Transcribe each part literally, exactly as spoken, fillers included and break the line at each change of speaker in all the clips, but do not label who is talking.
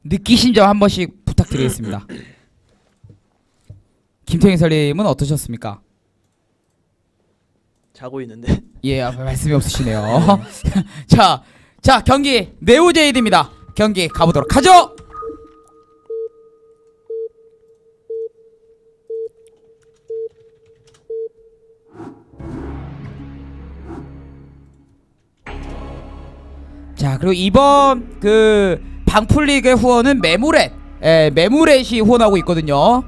느끼신 점 한 번씩 부탁드리겠습니다. 김태형 해설님은 어떠셨습니까?
자고 있는데.
예, 아, 말씀이 없으시네요. 자, 자 경기 네오제이드입니다. 경기 가보도록 하죠. 자, 그리고 이번 그 방풀리그의 후원은 메모렛, 예, 메모렛이 후원하고 있거든요.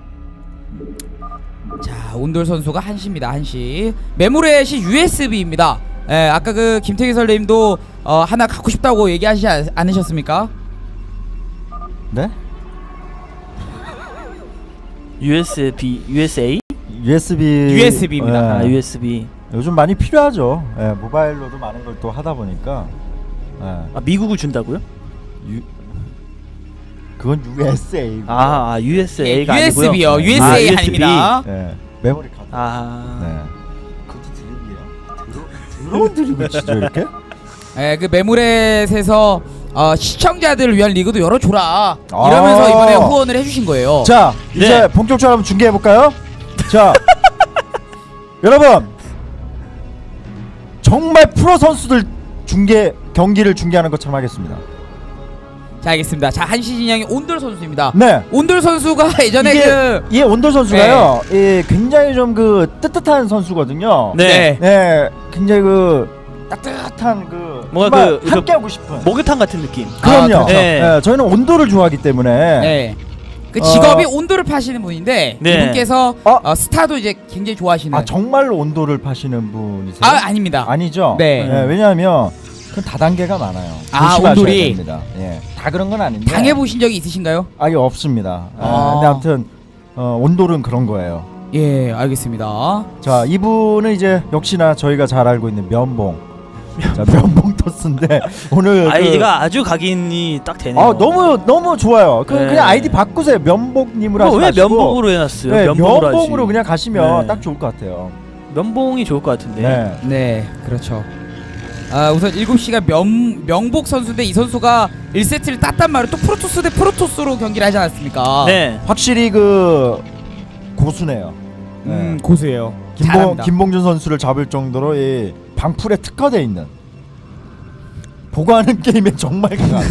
자, 온돌 선수가 한시입니다. 한시. 메모렛이 유에스비입니다. 예, 아까 그 김태기 선생님도 어, 하나 갖고 싶다고 얘기하시지 않, 않으셨습니까?
네?
유에스비, 유에스에이?
유에스비.
유에스비입니다.
아, 유에스비.
요즘 많이 필요하죠. 예, 모바일로도 많은 걸 또 하다 보니까. 예.
아, 미국을 준다고요?
유... 그건 유에스에이.
아, 아 유에스에이가
예,
아니고요.
유에스비요.
아,
유에스에이
유에스비.
아닙니다.
예. 메모리 카드.
아.
네. 그것도 드립이에요? 드러운 드립을 치죠 이렇게?
예, 그 메모렛에서 어, 시청자들을 위한 리그도 열어줘라 이러면서
아
이번에 후원을 해주신 거예요.
자, 이제
네.
본격적으로 한번 중계해볼까요? 자, 여러분 정말 프로 선수들 중계 경기를 중계하는 것처럼 하겠습니다.
자, 알겠습니다. 자, 한시 진영의 온돌 선수입니다.
네.
온돌 선수가 예전에
이게,
그
예, 온돌 선수가요. 예, 굉장히 좀 그 뜨뜻한 선수거든요.
네.
네, 굉장히 그 따뜻한 그
뭔가
정말
그-
함께 하고 싶은.
목욕탕 같은 느낌.
아,
그럼요.
그렇죠.
네.
예, 저희는 온도를 좋아하기 때문에.
네. 그
어.
직업이 온돌을 파시는 분인데
네.
이분께서
어?
어, 스타도 이제 굉장히 좋아하시는.
아, 정말로 온도를 파시는 분이세요?
아, 아닙니다.
아니죠.
네.
예, 왜냐하면 그 다단계가 많아요.
아,
조심하셔야
온돌이.
됩니다. 예, 다 그런 건 아닌데.
당해보신 적이 있으신가요?
아예 없습니다. 아.
아.
근데 아무튼 어, 온돌은 그런 거예요.
예, 알겠습니다.
자, 이분은 이제 역시나 저희가 잘 알고 있는 면봉. 자, 면봉 토스인데 오늘
아이디가 아주 각인이 딱
그,
되네요.
아, 너무 너무 좋아요. 그
네.
그냥 아이디 바꾸세요. 면봉님으로 하지
왜
마시고.
면봉으로 해놨어요?
네,
면봉으로,
면봉으로
하지.
그냥 가시면
네.
딱 좋을 것 같아요.
면봉이 좋을 것 같은데.
네.
네, 그렇죠. 아, 우선 일곱 시가 명, 명복 선수인데 이 선수가 일 세트를 땄단 말이에요. 또 프로토스 대 프로토스로 경기를 하지 않았습니까?
네.
확실히 그 고수네요. 네.
음, 고수예요.
김봉,
잘합니다.
김봉준 선수를 잡을 정도로 이 방풀에 특화되어 있는 보고하는 게임에 정말 강한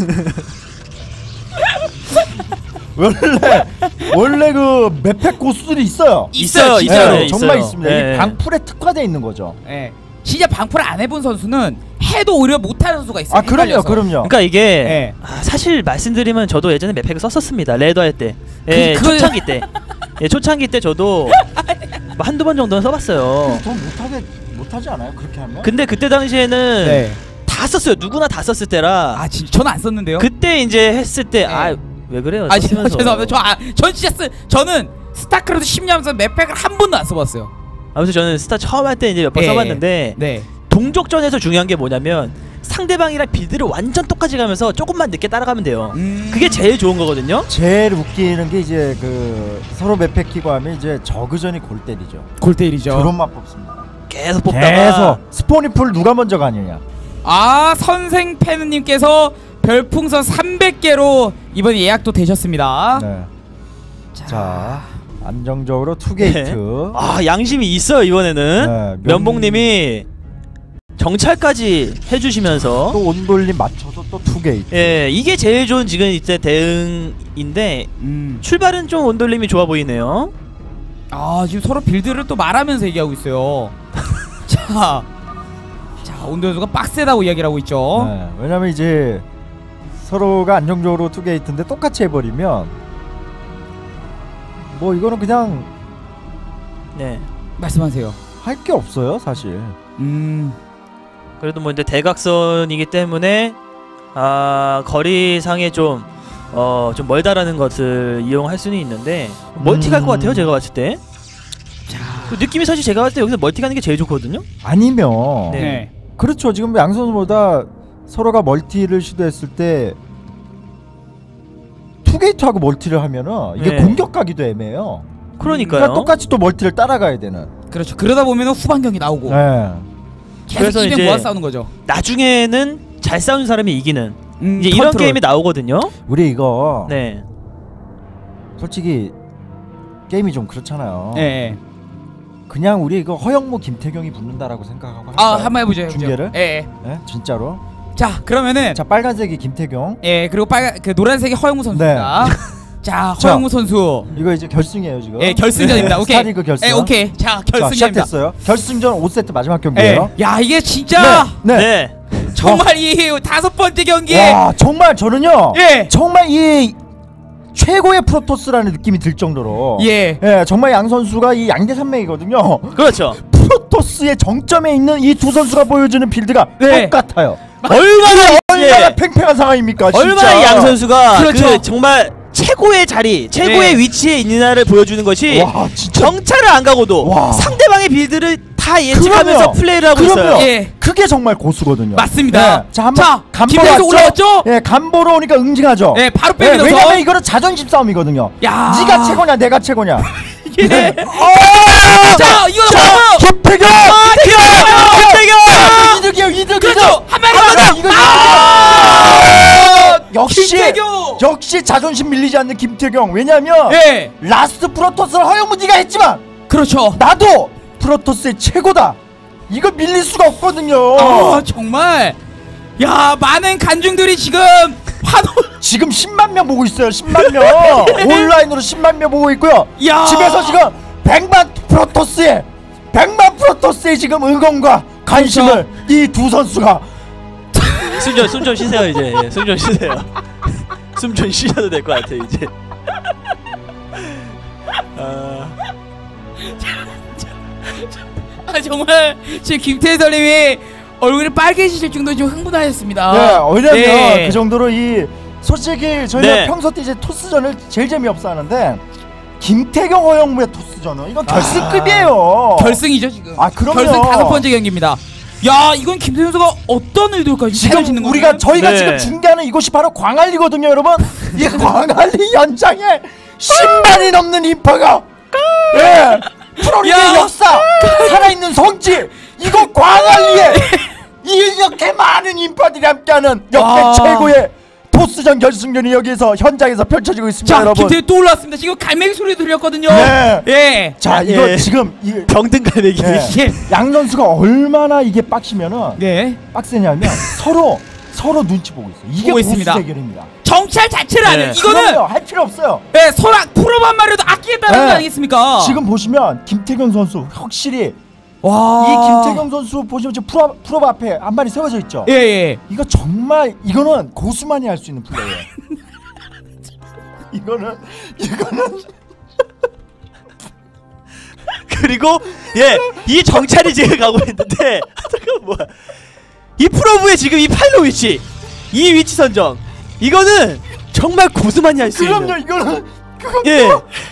원래 원래 그 맵팩 고수들이 있어요.
있어요,
있어요,
진짜로.
네,
정말
있어요.
있습니다.
네.
이 방풀에 특화되어 있는 거죠.
예. 진짜 방풀을 안 해본 선수는 해도 오히려 못하는 선수가 있어요.
아, 그럼요,
헷갈려서.
그럼요.
그러니까 이게
네.
아, 사실 말씀드리면 저도 예전에 맵팩을 썼었습니다. 레더 할 때. 예,
그- 그걸-
초창기 때. 예, 초창기 때 저도 뭐 한두 번 정도는 써봤어요.
더 못하게 못하지 않아요? 그렇게 하면?
근데 그때 당시에는
네.
다 썼어요. 누구나 다 썼을 때라.
아, 진짜 저는 안 썼는데요.
그때 이제 했을 때
네.
아 왜 그래요?
아, 진짜
썼으면서.
죄송합니다. 저, 아, 전 진짜 쓰, 저는 스타크래프트 십 년 하면서 맵팩을 한 번도 안 써봤어요.
아무튼 저는 스타 처음 할 때 이제 몇 번
예.
써봤는데
네.
동족전에서 중요한 게 뭐냐면 상대방이랑 빌드를 완전 똑같이 가면서 조금만 늦게 따라가면 돼요.
음...
그게 제일 좋은 거거든요.
제일 웃기는 게 이제 그 서로 맵팩 키고 하면 이제 저그전이 골 때리죠.
골때리죠.
드론만 뽑습니다.
계속 뽑다가
계속 스포니풀 누가 먼저 가느냐.
아, 선생 팬님께서 별풍선 삼백 개로 이번 예약도 되셨습니다.
네.
자,
자, 안정적으로 투게이트.
아 양심이 있어요 이번에는.
네, 면-
면봉님이 정찰까지 해주시면서
또 온돌림 맞춰서 또 투게이트.
예 이게 제일 좋은 지금 이때 대응인데
음.
출발은 좀 온돌림이 좋아 보이네요.
아, 지금 서로 빌드를 또 말하면서 얘기하고 있어요. 자, 자, 온도수가 빡세다고 이야기를 하고 있죠.
네, 왜냐면 이제 서로가 안정적으로 투게이트인데 똑같이 해버리면 뭐 이거는 그냥
네
말씀하세요.
할 게 없어요 사실.
음.
그래도 뭐 이제 대각선이기 때문에 아 거리상에 좀 어 좀 멀다라는 것을 이용할 수는 있는데 멀티 갈 것 같아요 제가 봤을 때.
자,
그 느낌이 사실 제가 봤을 때 여기서 멀티 가는 게 제일 좋거든요.
아니면
네.
네.
그렇죠. 지금 양 선수보다 서로가 멀티를 시도했을 때 투게이트하고 멀티를 하면은 이게
네.
공격가기도 애매해요.
그러니까요.
그러니까 똑같이 또 멀티를 따라가야 되는.
그렇죠. 그러다 보면 후반 경기 나오고
네.
계속
그래서
이벤
이제
모아 싸우는 거죠.
나중에는 잘 싸우는 사람이 이기는
음,
이제 이런
컨트롤.
게임이 나오거든요.
우리 이거
네.
솔직히 게임이 좀 그렇잖아요.
예. 예.
그냥 우리 이거 허영무 김태경이 붙는다라고 생각하고
아
할까요?
한번 해보죠. 해보죠.
중계를?
예, 예.
예? 진짜로?
자 그러면은
자 빨간색이 김태경.
예 그리고 빨간 그 노란색이 허영무 선수입니다. 자 허영무 선수.
이거 이제 결승이에요 지금.
예 결승전입니다.
네,
오케이.
스타리그 결승.
예 오케이. 자
자
결승전입니다.
시작됐어요. 결승전 오 세트 마지막
예.
경기예요.
야 이게 진짜
네. 네.
네.
정말 이 다섯 번째 경기에
와 정말 저는요.
예.
정말 이 최고의 프로토스라는 느낌이 들 정도로.
예.
예 정말 양 선수가 이 양대 산맥이거든요.
그렇죠.
프로토스의 정점에 있는 이 두 선수가 보여주는 빌드가
네.
똑같아요.
얼마나
얼마나
예.
팽팽한 상황입니까? 진짜.
얼마나 양 선수가
그렇죠.
그 정말 최고의 자리, 최고의
네.
위치에 있느냐를 보여주는 것이
와 진짜.
정찰을 안 가고도
와.
상대방의 빌드를 다 예측하면서
그럼요.
플레이를 하고
그럼요.
있어요.
예.
그게 정말 고수거든요.
맞습니다.
네. 자 한번
자,
간보러
김태수
왔죠?
올라왔죠?
예, 간보러 오니까 응징하죠.
예 바로
예,
빼면서.
왜냐면 이거는 자존심 싸움이거든요.
야.
네가 최고냐, 내가 최고냐.
예.
네.
자 이거 뭐예요?
김태경.
김태경!
이득이에요, 이득.
그렇죠.
이득.
한 마리
아,
더.
이거
아!
역시
김태경!
역시 자존심 밀리지 않는 김태경. 왜냐면
예.
라스트 프로토스를 허영무 네가 했지만
그렇죠.
나도 프로토스의 최고다. 이거 밀릴 수가 없거든요.
아 정말. 야 많은 간중들이 지금 환호.
지금 십만 명 보고 있어요. 십만 명. 온라인으로 십만 명 보고 있고요.
야.
집에서 지금 백만 프로토스의 백만 프로토스의 지금 응원과 관심을 이 두 선수가
숨 좀 숨 좀 쉬세요 이제. 예, 숨 좀 쉬세요. 숨 좀 쉬셔도 될 것 같아요 이제. 아...
아 정말 지금 김태설님이 얼굴이 빨개지실 정도로 좀 흥분하셨습니다.
네, 왜냐면
네.
그 정도로 이 솔직히 저희가
네.
평소 때 이제 토스전을 제일 재미없어 하는데 김태경 허영무의 토스전은 이건 결승급이에요.
결승이죠 지금.
아, 그럼요.
결승 다섯 번째 경기입니다. 야 이건 김태현 선수가 어떤 의도까지
지금
짓는
우리가
거예요?
저희가
네.
지금 중계하는 이곳이 바로 광안리거든요, 여러분. 이 광안리 연장에 십만이 넘는 인파가 예 프로리그의
야.
역사 살아있는 성지 이곳 광안리에 이렇게 많은 인파들이 함께하는 역대
와.
최고의 토스전 결승전이 여기서 현장에서 펼쳐지고 있습니다,
자
여러분.
김태현 또 올라왔습니다. 지금 갈매기 소리 들렸거든요.
네.
예.
자 이거
예.
지금 이
병든 갈매기.
예.
예.
양 선수가 얼마나 이게 빡치면은
예.
빡세냐면 서로 서로 눈치 보고 있어요. 이게
보고
보스
있습니다.
대결입니다.
정찰 자체를 안 해요.
네.
이거는
그럼요, 할 필요 없어요.
예, 서로 프로만 말해도 아끼겠다는
네.
거 아니겠습니까?
지금 보시면 김태경 선수 확실히
와.
이 김태경 선수 보시면 지금 프로 프로 앞에 한 마리 세워져 있죠.
예, 예.
이거 정말 이거는 고수만이 할 수 있는 플레이예요. 이거는 이거는
그리고 예, 이 정찰이 지금 가고 있는데 잠깐 뭐야? 이 프로브의 지금 이 파일럿 위치, 이 위치 선정, 이거는 정말 고수만이 할 수 있는.
그럼요, 이거는 그건
예.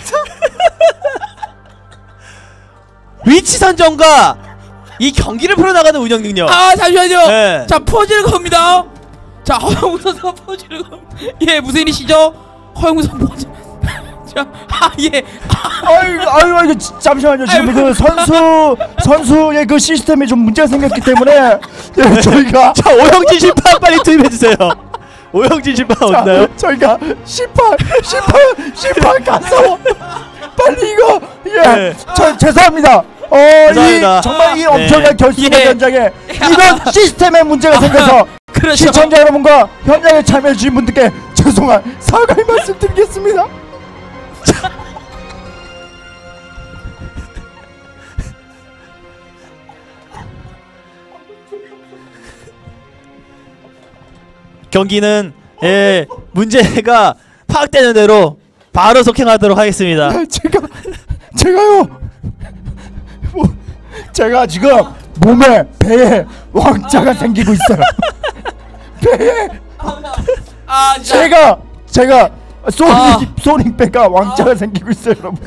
위치 선정과 이 경기를 풀어나가는 운영 능력.
아, 잠시만요.
네.
자, 퍼즐 겁니다. 자, 허영우 선수가 퍼즐 겁. 예, 무슨 일이시죠? 허영우 선수 퍼즐. 자, 아, 예.
아유 아유 아유 잠시만요. 지금 그 선수 선수의 그 시스템에 좀 문제가 생겼기 때문에 예, 저희가
자, 오영진 심판 빨리 투입해 주세요. 오영진 심판
자,
없나요?
저희가 심판 심판 심판 가서 빨리 이거 예,
네.
저 죄송합니다. 어,
죄송합니다.
이 정말 이
네.
엄청난 결승
예.
현장에 이런 시스템에 문제가 생겨서
그렇죠.
시청자 여러분과 현장에 참여해 주신 분들께 죄송한 사과의 말씀드리겠습니다.
경기는 예, 문제가 파악되는 대로 바로 속행하도록 하겠습니다.
제가 제가요 뭐, 제가 지금 몸에 배에 왕자가 생기고 있어요. 배에
아, 진짜.
제가 제가 소닉
아.
소닉 배가 왕자가 생기고 있어요, 여러분.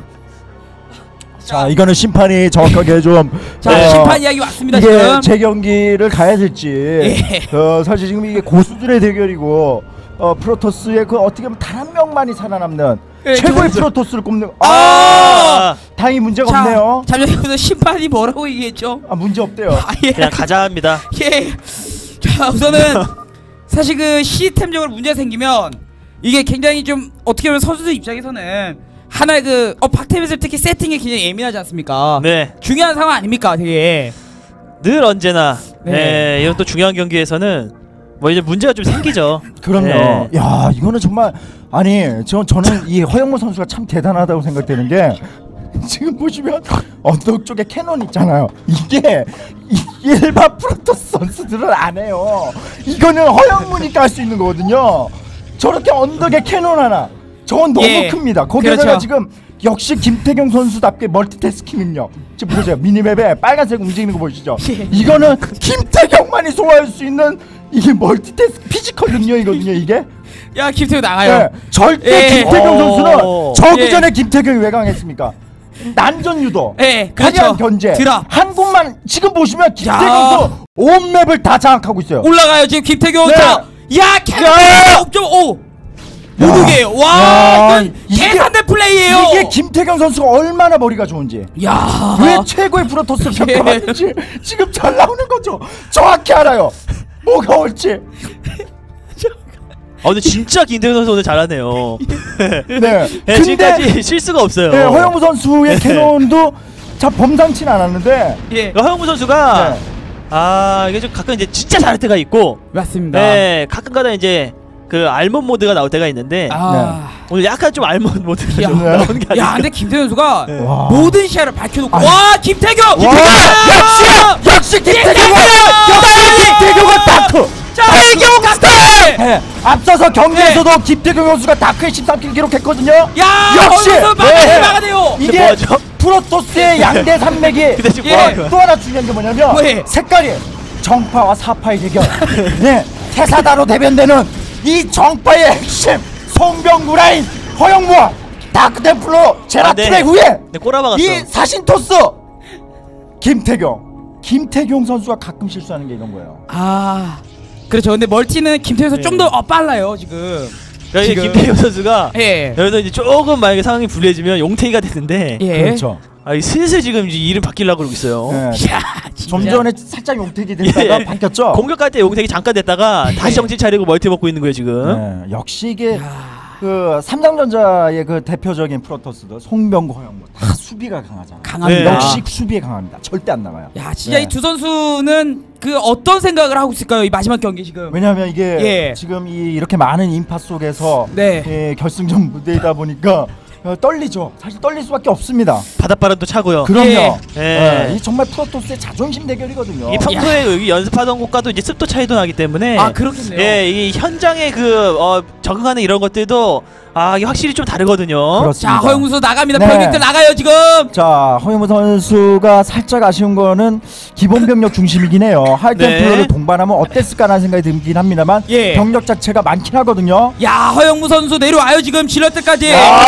자, 이거는 심판이 정확하게 좀
자,
어,
심판 이야기 왔습니다,
이게
지금.
재경기를 가야 될지
예.
어, 사실 지금 이게 고수들의 대결이고 어, 프로토스의 그 어떻게 보면 단 한 명만이 살아남는
예,
최고의
저-
프로토스를 꼽는
아!
아,
다행히 문제가
자,
없네요.
잠시만요. 심판이 뭐라고 얘기했죠?
아, 문제 없대요.
아, 예.
그냥 가자 합니다.
예. 자, 우선은 사실 그 시스템적으로 문제가 생기면 이게 굉장히 좀 어떻게 보면 선수들 입장에서는 하나의 그 어 박태민을 특히 세팅에 굉장히 예민하지 않습니까?
네.
중요한 상황 아닙니까, 되게.
늘 언제나
네.
네. 이런 또 중요한 경기에서는 뭐 이제 문제가 좀 생기죠.
그럼요.
네.
야 이거는 정말 아니 저 저는 이 허영무 선수가 참 대단하다고 생각되는 게 지금 보시면 언덕 쪽에 캐논 있잖아요. 이게 이- 일반 프로토스 선수들은 안 해요. 이거는 허영무니까 할 수 있는 거거든요. 저렇게 언덕에 캐논 하나. 저건 너무
예.
큽니다. 거기다가
그렇죠.
지금 역시 김태경 선수답게 멀티태스킹 능력. 지금 보세요. 미니맵에 빨간색 움직이는 거 보시죠.
예.
이거는 김태경만이 소화할 수 있는 이게 멀티태스킹 피지컬 능력이거든요. 이게.
야, 김태우 나가요.
네, 절대
예.
김태경
오.
선수는 저기
예.
전에 김태경이 왜 강했습니까? 난전 유도,
예, 그렇죠.
화려한 견제,
드라.
한 곳만 지금 보시면 김태경
야.
선수 온 맵을 다 장악하고 있어요.
올라가요, 지금 김태경.
네.
자, 야, 캐논 옵점 오.
야.
모르게요. 와,
야,
이건
이게-
계산된 플레이예요.
이게 김태경 선수가 얼마나 머리가 좋은지,
야,
왜 최고의 프로토스
예.
평가받는지 지금 잘 나오는 거죠. 정확히 알아요. 뭐가 올지.
아 근데 진짜 김태균 선수 오늘 잘하네요.
네.
네,
근데
지금까지 실수가 없어요.
네, 허영무 선수의
네.
캐논도 참 범상치는 않았는데.
예,
그러니까 허영무 선수가
네.
아 이게 좀 가끔 이제 진짜 잘할 때가 있고,
맞습니다.
네 가끔가다 이제 그 알몬 모드가 나올 때가 있는데
아,
오늘 약간 좀 알몬 모드가
야.
좀 나오는 게
야,
아닌가.
근데 김태경 선수가
네.
와.
모든 시야를 밝혀놓고,
아니.
와, 김태경,
와,
김태경,
역시 역시 김태경은 역시 김태경은 다크.
자, 태경 갔다.
네, 앞서서 경기에서도 김태경 선수가 다크의 십삼 킬 기록했거든요.
야,
역시!
거기서 막아내
네.
막아내요.
이게
뭐하죠?
프로토스의 양대 산맥이
근데 지금
예.
뭐 하는 거야?
또 하나 중요한 게 뭐냐면
왜?
색깔이 정파와 사파의 대결. 네, 태사다로 대변되는 이 정파의 핵심 송병구 라인 허영무와 다크템플러 제라툴의
아, 네.
후예
네, 꼬라박았어.
이 사신토스 김태경 김태경 선수가 가끔 실수하는 게 이런 거예요.
아, 그렇죠. 근데 멀티는 김태경 선수
네.
좀 더 어, 빨라요 지금.
그러니까
지금.
김태균 선수가
예,
여기서 이제 조금 만약에 상황이 불리해지면 용태기가 됐는데
예.
그렇죠.
아, 이 슬슬 지금 이제 이름 바뀌려고 그러고 있어요.
네.
야, 진짜.
좀 전에 살짝 용택이 됐다가
예.
바뀌었죠.
공격할 때 용태기 잠깐 됐다가 다시 정신 차리고 멀티 먹고 있는 거예요 지금.
네, 역시 이게
야,
그 삼성전자의 그 대표적인 프로토스들 송병구 허영무 다 수비가 강하잖아.
강합니다.
네.
역시 수비에 강합니다. 절대 안 나가요.
야, 진짜
네.
이 두 선수는 그 어떤 생각을 하고 있을까요? 이 마지막 경기 지금.
왜냐하면 이게
예.
지금 이 이렇게 많은 인파 속에서
네.
예, 결승전 무대이다 보니까 어, 떨리죠. 사실 떨릴 수밖에 없습니다.
바닷바람도 차고요.
그럼요.
예.
예.
예, 이 정말 프로토스의 자존심 대결이거든요.
이 평소에 여기 연습하던 곳과도 이제 습도 차이도 나기 때문에
아, 그렇겠네요.
예, 이 현장의 그 어, 적응하는 이런 것들도 아 이게 확실히 좀 다르거든요.
그렇습니다.
자, 허영무 선수 나갑니다.
네.
병력들 나가요 지금.
자, 허영무 선수가 살짝 아쉬운 거는 기본 병력 중심이긴 해요. 하이템플러를
네.
동반하면 어땠을까라는 생각이 들긴 합니다만
예.
병력 자체가 많긴 하거든요.
야, 허영무 선수 내려와요 지금 질럿들까지.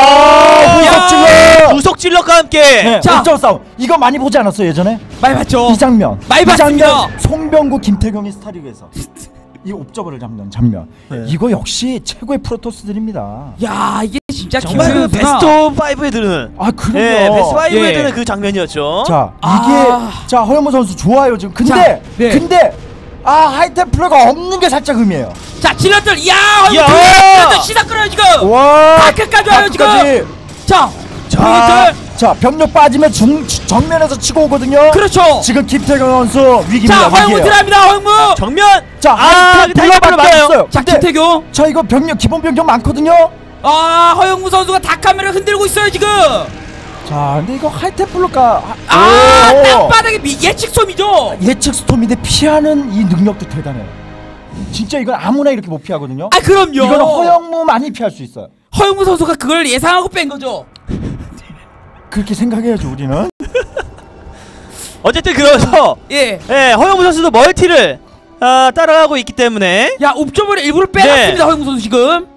아,
야,
찔러!
구속 질럿과 함께
네,
자.
옥점 싸움. 이거 많이 보지 않았어요 예전에?
많이 봤죠.
이 장면.
많이
이
봤습니다.
장면. 송병구, 김태경이 스타리그에서 이 옵저버를 잡는 장면.
네.
이거 역시 최고의 프로토스들입니다.
야, 이게 진짜
정말 그
김태균 선수가-
베스트 오브 파이브에 드는
아 그럼요.
예, 베스트 파이브에
예.
드는 그 장면이었죠.
자 이게
아.
자 허영무 선수 좋아요 지금. 근데
자, 네.
근데 아 하이템플러가 없는 게 살짝 의미해요.
자, 질럿들. 야,
야.
질럿들 시사 끌어요 지금.
와
다크까지 와요 지금.
다크까지.
자,
자,
병력들.
자 병력 빠지면 중 정면에서 치고 오거든요.
그렇죠.
지금 김태경 선수 위기입니다.
자, 허영무
위기예요.
들어갑니다. 허영무.
정면.
자
아,
하이템플러밖에
맞아요.
없어요.
자,
근데
김태균.
자 이거 병력 기본 병력 많거든요.
아, 허영무 선수가 다카메라 흔들고 있어요 지금.
자 근데 이거 하이템플러가
아,
오.
땅바닥에 미- 예측 솜이죠.
예측 스톰인데 피하는 이 능력도 대단해요. 진짜 이건 아무나 이렇게 못 피하거든요.
아, 그럼요.
이거는 허영무만이 피할 수 있어요.
허영무 선수가 그걸 예상하고 뺀 거죠.
그렇게 생각해야죠 우리는.
어쨌든 그래서
예.
예, 허영무 선수도 멀티를 아, 따라가고 있기 때문에
야, 옵저버를 일부러
네.
빼놨습니다. 허영무 선수 지금.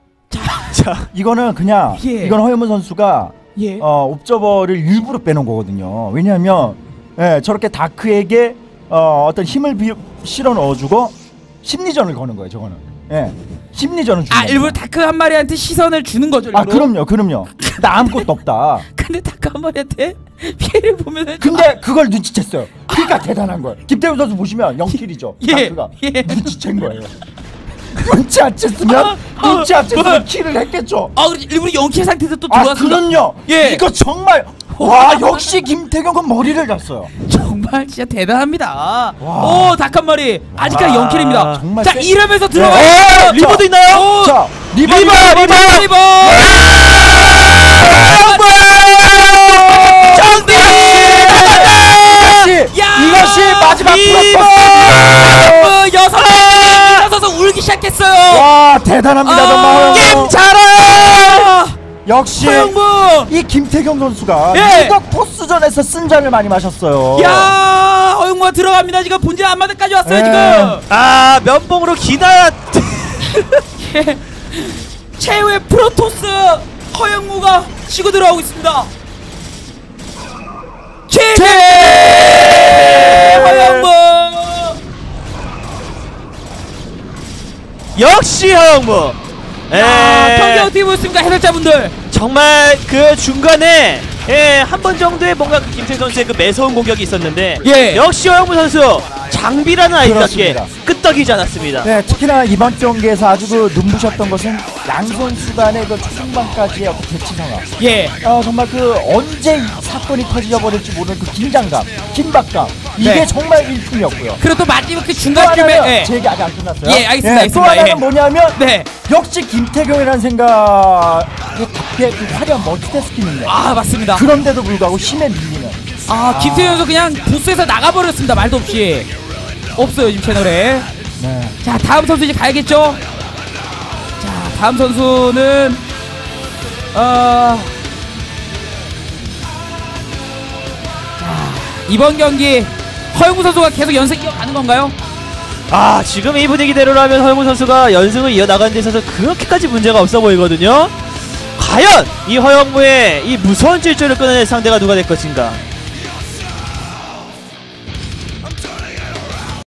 자,
이거는 그냥
예.
이건 허영무 선수가
예.
어, 옵저버를 일부러 빼놓은 거거든요. 왜냐하면 예, 저렇게 다크에게 어, 어떤 힘을 비, 실어 넣어주고 심리전을 거는 거예요. 저거는. 예, 심리전을 주는
아,
겁니다.
일부러 다크 한 마리한테 시선을 주는 거죠.
아
일부러?
그럼요, 그럼요. 나 아무것도 없다.
근데 다크 한 마리한테 피해를 보면은
근데 그걸 눈치챘어요. 그러니까 대단한 거예요. 김태훈 선수 보시면 영 킬이죠.
예,
다크가
예.
눈치챈 거예요. 눈치 안 챘으면 눈치 안 챘으면 킬을 했겠죠.
아 그래 일부러 영킬 상태에서 또
아
들어왔습니다.
그럼요.
예.
이거 정말 와 역시 김태경은 머리를 잤어요.
정말 진짜 대단합니다. 오 닭 한 마리 아직까지
와,
영킬입니다.
정말
자
세-
이러면서
네.
들어가.
어, 리버도 있나요?
오,
자 리버
리버,
리버
리버!
리버.
리버.
정비!
이것이
야!
이것이 마지막
리버!
어, 여섯 명이 일어서서 울기 시작했어요.
와 대단합니다
아,
정말.
게임 잘해!
역시
허영무.
이 김태경 선수가
예.
유독 토스전에서 쓴잔을 많이 마셨어요.
야 허영무가 들어갑니다. 지금 본진 앞마당까지 왔어요
예.
지금.
아 면봉으로 기나
최후의 프로토스 허영무가 치고 들어오고 있습니다. 최대 허영무.
역시 허영무.
야,
에,
경기 어떻게 보셨습니까 해설자분들?
정말 그 중간에 예, 한 번 정도의 뭔가 그 김태경 선수의 그 매서운 공격이 있었는데
예.
역시 허영무 선수 장비라는 아이답게
그렇습니다.
끄떡이지 않았습니다.
네, 특히나 이번 경기에서 아주 그 눈부셨던 것은 양 선수 간의 그 초중반까지의 어떤 대치 상황.
예.
아, 정말 그 언제 이 사건이 터져버릴지 모르는 그 긴장감, 긴박감 이게
네.
정말 일품이었고요.
그리고 또 마지막 그
또
중간쯤에
하나는
예.
제 얘기 아직 안 끝났어요.
예, 알겠습니다,
또
알겠습니다.
하나는
예.
뭐냐면
네.
역시 김태경이라는 생각에 답게 그 화려한 멀티태스킹 능력.
아 맞습니다.
그런데도 불구하고 힘에 밀리는.
아 김태현 선수 그냥 부스에서 나가버렸습니다. 말도 없이. 없어요 지금 채널에.
네.
자 다음 선수 이제 가야겠죠. 자 다음 선수는 어. 자 이번 경기 허영무 선수가 계속 연승 이어가는 건가요?
아 지금 이 분위기대로라면 허영무 선수가 연승을 이어나가는 데 있어서 그렇게까지 문제가 없어 보이거든요. 과연 이 허영무의 이 무서운 질주를 끊어낼 상대가 누가 될 것인가.